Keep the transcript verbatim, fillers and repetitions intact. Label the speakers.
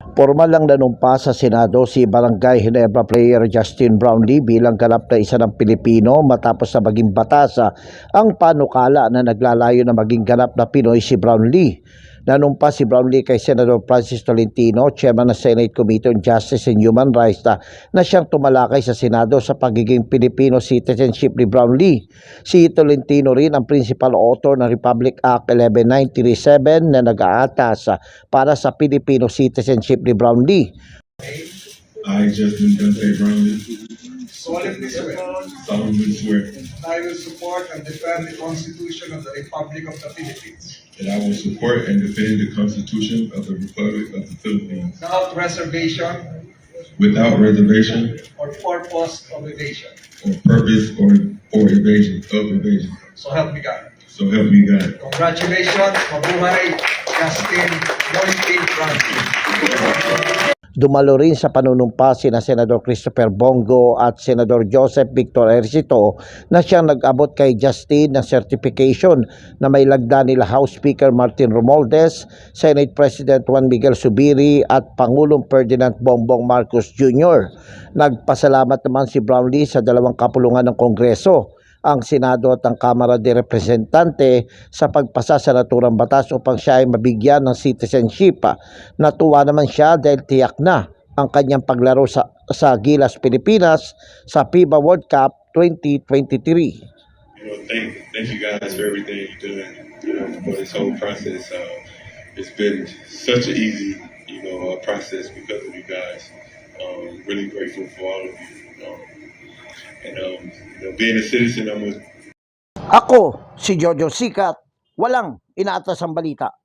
Speaker 1: Formal lang nanumpa sa Senado si Barangay Ginebra player Justin Brownlee bilang ganap na isa ng Pilipino matapos na maging batasa ang panukala na naglalayo na maging ganap na Pinoy si Brownlee. Nanumpa si Brownlee kay Senador Francis Tolentino, Chairman ng Senate Committee on Justice and Human Rights na, na siyang tumalakay sa Senado sa pagiging Filipino citizenship ni Brownlee. Si Tolentino rin ang principal author ng Republic Act eleven nine thirty-seven na nag-aatas para sa Filipino citizenship ni Brownlee.
Speaker 2: I, Justin Dante Brownlee,
Speaker 3: solemnly swear
Speaker 2: solemnly swear
Speaker 3: that I will support and defend the Constitution of the Republic of the Philippines
Speaker 2: that I will support and defend the Constitution of the Republic of the Philippines
Speaker 3: without reservation
Speaker 2: without reservation
Speaker 3: or purpose of evasion.
Speaker 2: or purpose or, or evasion of evasion.
Speaker 3: So help me God.
Speaker 2: So help me God.
Speaker 3: Congratulations, mabuhay, Justin Moity Brownlee.
Speaker 1: Dumalo rin sa panunumpa sina Senador Christopher Bongo at Senador Joseph Victor Ercito na siyang nag-abot kay Justin ng certification na may lagda nila House Speaker Martin Romualdez, Senate President Juan Miguel Zubiri at Pangulong Ferdinand Bongbong Marcos Junior Nagpasalamat naman si Brownlee sa dalawang kapulungan ng Kongreso, ang Senado at ang Kamara de Representante sa pagpasa sa naturang batas upang siya ay mabigyan ng citizenship. Natuwa naman siya dahil tiyak na ang kanyang paglaro sa, sa Gilas Pilipinas sa FIBA World Cup twenty twenty-three.
Speaker 2: You know, thank, thank you guys for everything you're doing, you know, for this whole process. Uh, it's been such an easy, you know, uh, process because of you guys. Um, really grateful for all of you. Um, and um, you know, being a citizen, I'm a
Speaker 1: Ako, si Jojo Sikat, walang inaatas ang balita.